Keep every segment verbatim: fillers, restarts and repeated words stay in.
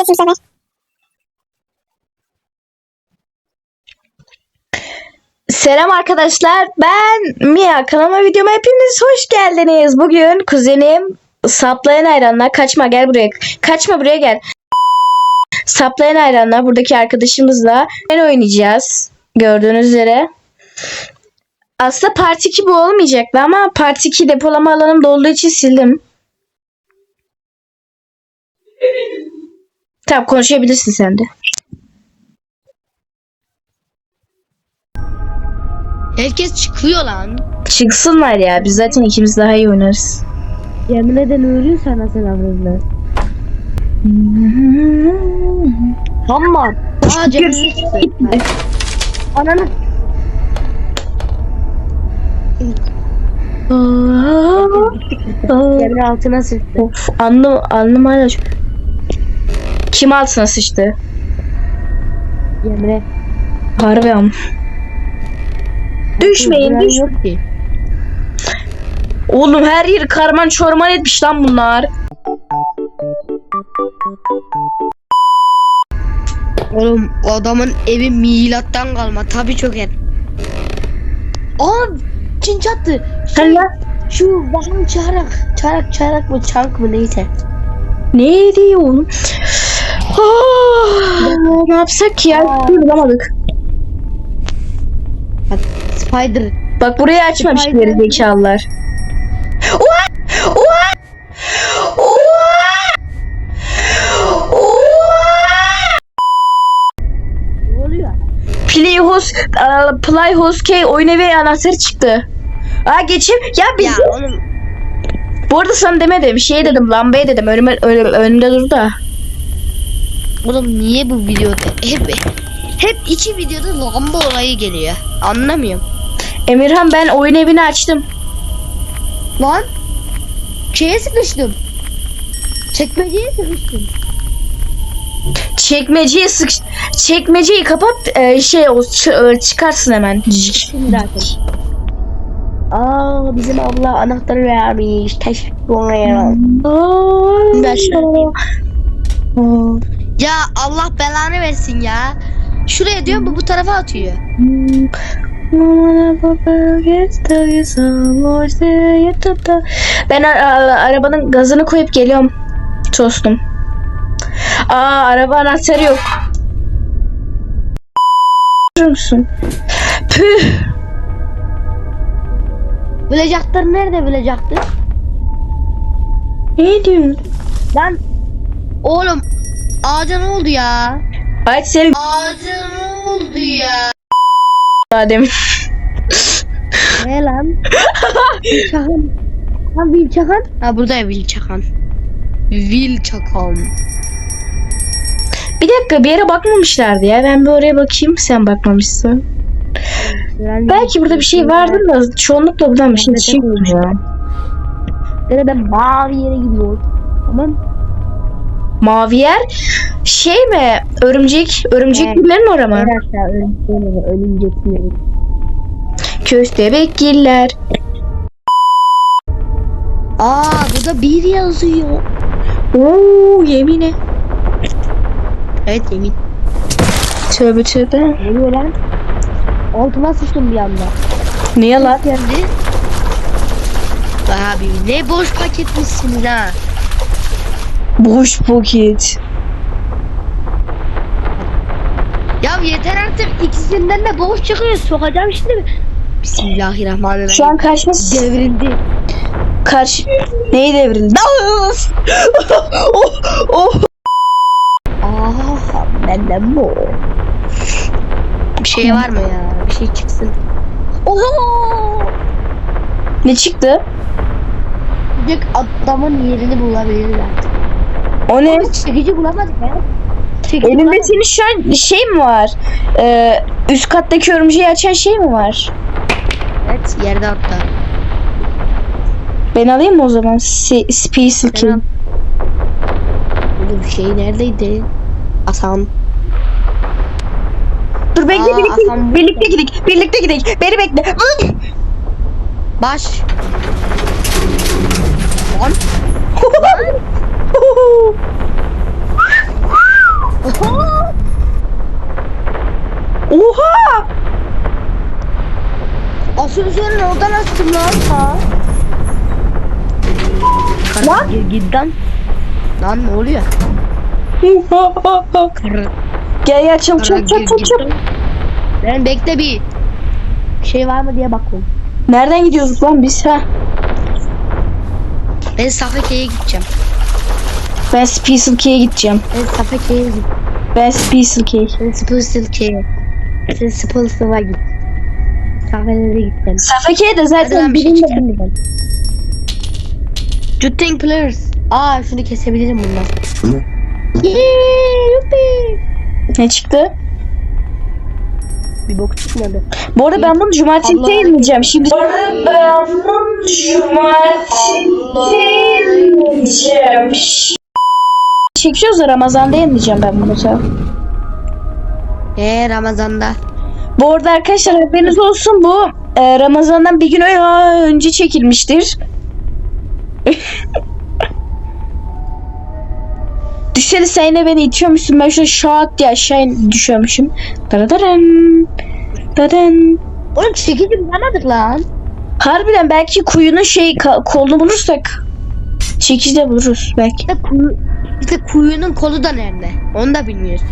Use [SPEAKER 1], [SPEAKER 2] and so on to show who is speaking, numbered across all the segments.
[SPEAKER 1] bu sefer.
[SPEAKER 2] Selam arkadaşlar, ben Mia. Kanalıma, videoma hepiniz hoş geldiniz. Bugün kuzenim Saplayan Hayranlar, kaçma gel buraya, kaçma buraya gel. Saplayan Hayranlar buradaki arkadaşımızla ben oynayacağız. Gördüğünüz üzere. Aslında part iki bu olmayacaktı ama part iki depolama alanım dolduğu için sildim. Tamam, konuşabilirsin sen de.
[SPEAKER 3] Herkes çıkıyor lan.
[SPEAKER 2] Çıksınlar ya, biz zaten ikimiz daha iyi oynarız.
[SPEAKER 3] Yemin eden ölüyor sana selamlarla. Tamam. Aa canım çıktı. Ananı. Yemin altına sıktı.
[SPEAKER 2] Of, alnım, alnım hala çok... Kim altına sıçtı?
[SPEAKER 3] Yemre.
[SPEAKER 2] Harbi am. Düşmeyin, düş.
[SPEAKER 3] Yok ki.
[SPEAKER 2] Oğlum her yeri karman çorman etmiş lan bunlar.
[SPEAKER 3] Oğlum adamın evi milattan kalma. Tabii çok et. Aa Çin çattı.
[SPEAKER 2] Sen lan.
[SPEAKER 3] Şu bakın çarak. Çarak çarak mı çank mı neyse.
[SPEAKER 2] Ne diyor oğlum? Oh, ne yapsak ki ya? Bulamadık.
[SPEAKER 3] Bak Spider.
[SPEAKER 2] Bak burayı açmamış
[SPEAKER 3] Spider.
[SPEAKER 2] geri zekalılar. Oha! Oha! Oha! Oha!
[SPEAKER 3] Ne oluyor?
[SPEAKER 2] Playhouse, uh, Playhouse K oyun evi anahtarı çıktı. Aa geçeyim. Ya biz...
[SPEAKER 3] Ya oğlum.
[SPEAKER 2] Bu arada sana demedim. Şey dedim, lambaya dedim. Önüme, önüm, önümde dur da.
[SPEAKER 3] Oğlum niye bu videoda hep hep iki videoda lamba olayı geliyor. Anlamıyorum.
[SPEAKER 2] Emirhan, ben oyun evini açtım.
[SPEAKER 3] Lan şeye sıkıştım. Çekmeceye sıkıştım.
[SPEAKER 2] Çekmeceyi sık... Çekmeceyi kapat. E, şey o ç- çıkarsın hemen.
[SPEAKER 3] Şimdi zaten. Aa bizim abla anahtarı vermiş. Teşekkür ederim. Ben şöyle- Ya Allah belanı versin ya. Şuraya diyor bu bu tarafa atıyor.
[SPEAKER 2] Ben a- a- arabanın gazını koyup geliyorum. Tostum. Aa, araba anahtarı yok. Görüyor musun? Püh.
[SPEAKER 3] Bilecektir nerede bilecektir?
[SPEAKER 2] Ne diyorsun?
[SPEAKER 3] Lan oğlum ağaca ne oldu ya?
[SPEAKER 2] Ay senin
[SPEAKER 3] Ağaca ne oldu ya?
[SPEAKER 2] Adem.
[SPEAKER 3] Ne lan? Çakan. Ha Will Çakan. Ha burada ya Will Çakan. Will Çakan.
[SPEAKER 2] Bir dakika, bir yere bakmamışlardı ya. Ben bir oraya bakayım, sen bakmamışsın. Belki burada bir şey vardır da çoğunlukla buradan bir şey çıkmıyor.
[SPEAKER 3] Nerede mavi yere gidiyor. Tamam.
[SPEAKER 2] Mavi yer şey mi? Örümcek, örümcek
[SPEAKER 3] Evet.
[SPEAKER 2] gillerin orası mı?
[SPEAKER 3] Aşağı ölümcekleri, ölümcekleri.
[SPEAKER 2] Köstebekgiller.
[SPEAKER 3] Aa burada bir yazıyor.
[SPEAKER 2] Oo, yemine.
[SPEAKER 3] Evet yemin.
[SPEAKER 2] Tövbe tövbe.
[SPEAKER 3] Ne oluyor lan? Altıma sıçtım bir anda.
[SPEAKER 2] Niye lan?
[SPEAKER 3] Geldi. Abi ne boş paketmişsin ha.
[SPEAKER 2] Boş paket.
[SPEAKER 3] Ya yeter artık ikisinden de boş çıkıyor. Sokacağım şimdi. Bismillahirrahmanirrahim.
[SPEAKER 2] Şu an karşıma
[SPEAKER 3] devrildi.
[SPEAKER 2] karşı neyi devrildi? Of! oh, oh.
[SPEAKER 3] Aa benden bu. Bir şey var mı ya? Bir şey çıksın. Oho!
[SPEAKER 2] Ne çıktı?
[SPEAKER 3] Bir adamın yerini bulabilirler.
[SPEAKER 2] O ne?
[SPEAKER 3] Biz çekici bulamadık ya. Çekici
[SPEAKER 2] Elinde
[SPEAKER 3] bulamadık.
[SPEAKER 2] senin şu an şey mi var? Ee, üst kattaki örümceği açan şey mi var?
[SPEAKER 3] Evet yerde hatta.
[SPEAKER 2] Ben alayım mı o zaman? Si Space
[SPEAKER 3] Sen al.
[SPEAKER 2] King.
[SPEAKER 3] Bu şey neredeydi? Hasan.
[SPEAKER 2] Dur bekle,
[SPEAKER 3] Aa,
[SPEAKER 2] birlikte,
[SPEAKER 3] Hasan-
[SPEAKER 2] birlikte gidelim. Birlikte gidelim. Beni bekle.
[SPEAKER 3] Baş. Lan.
[SPEAKER 2] Oha!
[SPEAKER 3] Asansörün oradan açtım lan ha.
[SPEAKER 2] Lan?
[SPEAKER 3] Gir gidden. Lan ne oluyor?
[SPEAKER 2] Gel gel çabuk çabuk çabuk çabuk, çabuk.
[SPEAKER 3] Ben bekle bir. Şey var mı diye bakıyorum.
[SPEAKER 2] Nereden gidiyoruz lan biz ha?
[SPEAKER 3] Ben Safeke'ye gideceğim.
[SPEAKER 2] Ben Special K'ye gideceğim.
[SPEAKER 3] Ben Safeke'ye gideceğim.
[SPEAKER 2] Ben Special K.
[SPEAKER 3] Ben Special K'ye. Sen Special'a git. Safeke'ye gideceğim.
[SPEAKER 2] Safeke'ye de
[SPEAKER 3] Hadi
[SPEAKER 2] zaten
[SPEAKER 3] lan bir şey
[SPEAKER 2] birinde.
[SPEAKER 3] çıkarmayacağım. Jutting players. Aa şunu kesebilirim bundan. Yeee yuppi.
[SPEAKER 2] Ne çıktı?
[SPEAKER 3] Bir bok çıkmadı.
[SPEAKER 2] Bu arada ben bunu cumartesi
[SPEAKER 3] Allah.
[SPEAKER 2] yayınlayacağım. Şimdi bu arada ben bunu cumartesi yayınlayacağım. Çekiyoruz da Ramazan'da yayınlayacağım ben bunu da.
[SPEAKER 3] Eee Ramazan'da.
[SPEAKER 2] Bu arada arkadaşlar haberiniz olsun, bu e, Ramazan'dan bir gün ö- önce çekilmiştir. Düşsene sen yine beni itiyormuşsun, ben şöyle şak diye aşağı in- düşüyormuşum. Dadadaran, dadan.
[SPEAKER 3] Oğlum çekici bulamadık lan.
[SPEAKER 2] Harbiden belki kuyunun şey ka- kolunu bulursak çekici de buluruz belki.
[SPEAKER 3] İşte, kuyu, işte kuyunun kolu da nerede? Onu da bilmiyoruz.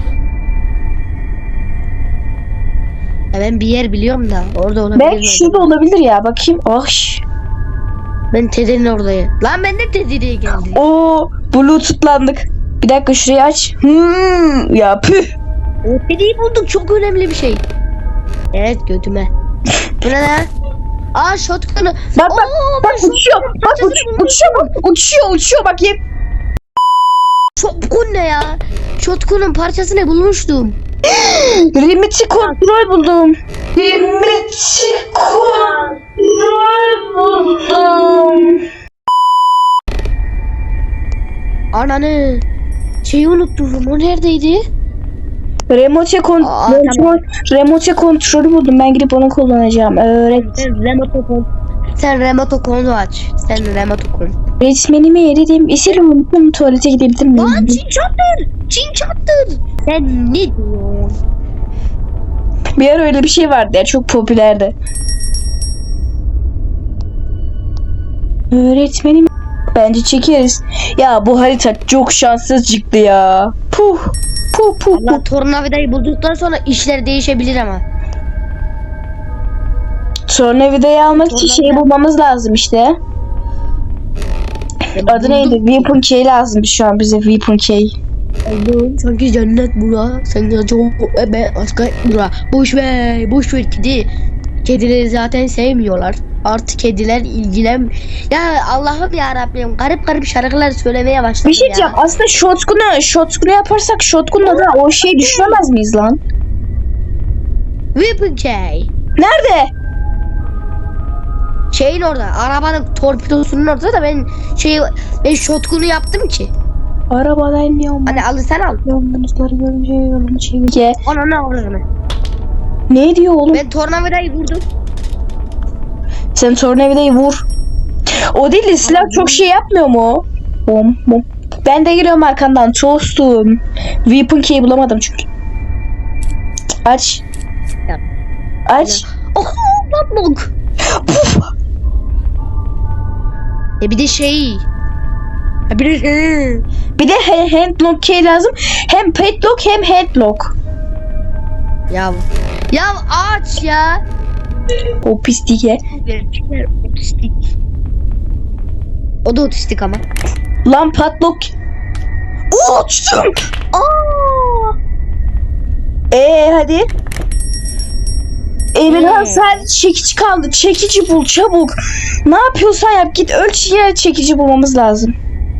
[SPEAKER 3] Ya ben bir yer biliyorum da orada olabilir.
[SPEAKER 2] Belki
[SPEAKER 3] mi
[SPEAKER 2] şurada
[SPEAKER 3] acaba?
[SPEAKER 2] olabilir ya, bakayım. Oh şş.
[SPEAKER 3] Ben Teddy'nin oradayım. Lan ben de Teddy'ye geldim.
[SPEAKER 2] Oo, bluetoothlandık. Bir dakika şurayı aç. Hmm, ya püh.
[SPEAKER 3] O Teddy'yi bulduk, çok önemli bir şey. Evet götüme. Bu ne lan? Aa shotgun'u.
[SPEAKER 2] Bak bak
[SPEAKER 3] Oo,
[SPEAKER 2] bak
[SPEAKER 3] ben
[SPEAKER 2] uçuyor.
[SPEAKER 3] shotgun'un
[SPEAKER 2] Bak
[SPEAKER 3] parçasını
[SPEAKER 2] uç,
[SPEAKER 3] bulmuşum.
[SPEAKER 2] uçuyor bak. Uçuyor uçuyor bakayım.
[SPEAKER 3] Shotgun ne ya? Shotgun'un parçasını bulmuştum.
[SPEAKER 2] Remote kontrol buldum. Remote kontrol buldum.
[SPEAKER 3] Ananı. Şeyi unuttum. O neredeydi?
[SPEAKER 2] Remote kon
[SPEAKER 3] Aa,
[SPEAKER 2] remote,
[SPEAKER 3] tamam.
[SPEAKER 2] remote kontrolü buldum. Ben gidip onu kullanacağım. Öğret.
[SPEAKER 3] Sen remote kon. Sen remote konu aç. Sen remote kon.
[SPEAKER 2] Öğretmenimi eridim. Esir unuttum. Tuvalete gidebilir miyim?
[SPEAKER 3] Lan Çin çattır. Çin çattır. Sen ne diyorsun?
[SPEAKER 2] Bir ara öyle bir şey vardı ya, çok popülerdi. Öğretmenim, bence çekeriz. Ya bu harita çok şanssız çıktı ya. Puh. Puh puh
[SPEAKER 3] Allah
[SPEAKER 2] puh.
[SPEAKER 3] tornavidayı bulduktan sonra işler değişebilir ama.
[SPEAKER 2] Tornavidayı almak için
[SPEAKER 3] Tornavida-
[SPEAKER 2] şeyi bulmamız lazım işte. Adı neydi? Weapon Key lazım şu an bize, Weapon Key.
[SPEAKER 3] Allah'ım sanki cennet bura. Sen ya çok ben aşka bura. Boş ver, boş ver kedi. Kedileri zaten sevmiyorlar. Artık kediler ilgilen. Ya Allah'ım ya Rabbim, garip garip şarkılar söylemeye başladım
[SPEAKER 2] Bir şey
[SPEAKER 3] ya.
[SPEAKER 2] diyeceğim. Aslında shotgun'u, shotgun'u yaparsak shotgun'la da o şeyi düşüremez miyiz lan?
[SPEAKER 3] Weapon Key.
[SPEAKER 2] Nerede?
[SPEAKER 3] Şeyin orada, arabanın torpidosunun orada da ben şey ben shotgun'u yaptım ki.
[SPEAKER 2] Arabadan iniyorum.
[SPEAKER 3] Hadi al sen al.
[SPEAKER 2] Yolunuzları görünce yolumu çevirge.
[SPEAKER 3] Ona ne avradını.
[SPEAKER 2] Ne diyor oğlum?
[SPEAKER 3] Ben tornavidayı vurdum.
[SPEAKER 2] Sen tornavidayı vur. O değil de silah çok şey yapmıyor mu? Bom bom. Ben de geliyorum arkandan toastum. Weapon key bulamadım çünkü. Aç.
[SPEAKER 3] Yap.
[SPEAKER 2] Aç.
[SPEAKER 3] Oh, patlok.
[SPEAKER 2] Puf.
[SPEAKER 3] E bir de şey. E bir de şey.
[SPEAKER 2] Bir de he- handlock key lazım. Hem padlock hem handlock.
[SPEAKER 3] Ya ya aç ya.
[SPEAKER 2] O pisliğe.
[SPEAKER 3] Gerçekler otistik. O da otistik ama.
[SPEAKER 2] Lan padlock. Uçtum.
[SPEAKER 3] Aa!
[SPEAKER 2] Ee hadi. Emirhan
[SPEAKER 3] Ee?
[SPEAKER 2] sen çekici kaldı. Çekici bul çabuk. Ne yapıyorsan yap, git ölçüye çekici bulmamız lazım.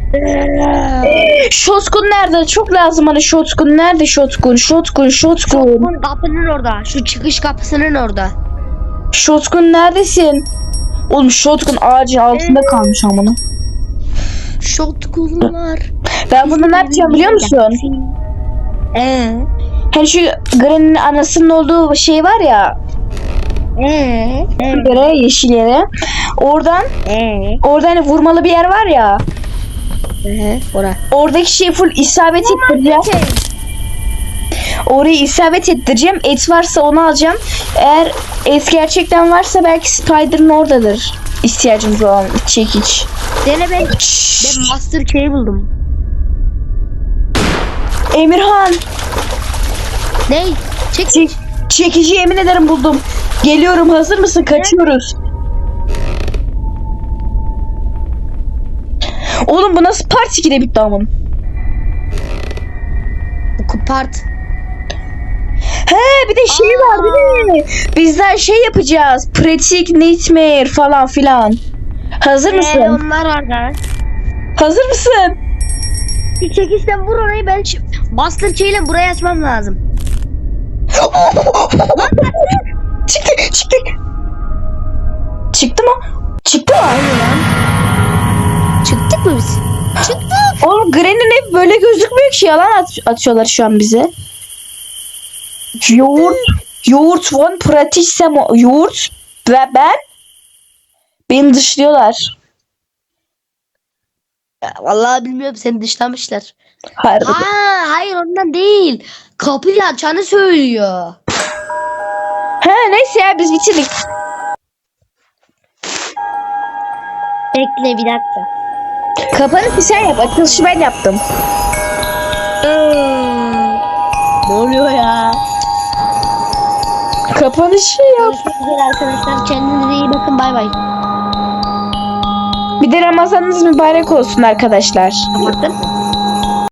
[SPEAKER 2] Shotgun nerede? Çok lazım hani shotgun. Nerede shotgun? Shotgun, shotgun.
[SPEAKER 3] Shotgun kapının orada. Şu çıkış kapısının orada.
[SPEAKER 2] Shotgun neredesin? Oğlum shotgun ağacın altında kalmış amına.
[SPEAKER 3] Shotgunlar.
[SPEAKER 2] Ben bunu ne yapacağım biliyor musun?
[SPEAKER 3] Eee?
[SPEAKER 2] Hani şu Granny'nin anasının olduğu şey var ya.
[SPEAKER 3] Eee?
[SPEAKER 2] Yere, yeşil yere. Oradan,
[SPEAKER 3] Eee?
[SPEAKER 2] orada hani vurmalı bir yer var ya.
[SPEAKER 3] Eee? Ora.
[SPEAKER 2] Oradaki şey full isabet ettireceğiz. Orayı isabet ettireceğim. Et varsa onu alacağım. Eğer et gerçekten varsa belki Spider'ın oradadır. İhtiyacımız olan çekiç.
[SPEAKER 3] Dene ben, ben Master Key buldum.
[SPEAKER 2] Emirhan.
[SPEAKER 3] Ne? Çek.
[SPEAKER 2] Çek, çekici yemin ederim buldum. Geliyorum, hazır mısın? Kaçıyoruz. Oğlum bu nasıl part ikide bitti amın?
[SPEAKER 3] Kupart.
[SPEAKER 2] He bir de şey
[SPEAKER 3] Aa.
[SPEAKER 2] var değil mi? Bizler şey yapacağız. Pratik nightmare falan filan. Hazır mısın?
[SPEAKER 3] Ee, onlar orada.
[SPEAKER 2] Hazır mısın?
[SPEAKER 3] Bir çekişten vur orayı ben ç- Master Key ile burayı açmam lazım.
[SPEAKER 2] Çıktı çıktı. Çıktı mı? Çıktı mı?
[SPEAKER 3] Çıktık mı biz? Çıktık.
[SPEAKER 2] Oğlum Granny'nin hep böyle gözükmüyor ki, yalan at- atıyorlar şu an bize. Yoğurt. Yoğurt von pratisem yoğurt ve ben beni dışlıyorlar.
[SPEAKER 3] Ya, vallahi bilmiyorum seni dışlamışlar.
[SPEAKER 2] Harbi.
[SPEAKER 3] Ha, hayır ondan değil. Kapıyı açanı söylüyor.
[SPEAKER 2] He neyse ya biz bitirdik.
[SPEAKER 3] Bekle bir dakika.
[SPEAKER 2] Kapanışı sen yap. Açılışı ben yaptım.
[SPEAKER 3] Ne oluyor ya?
[SPEAKER 2] Kapanışı yap.
[SPEAKER 3] Görüşmek üzere arkadaşlar. Kendinize iyi bakın. Bay bay.
[SPEAKER 2] Bir de Ramazanınız mübarek olsun arkadaşlar.
[SPEAKER 3] Kapattın mı?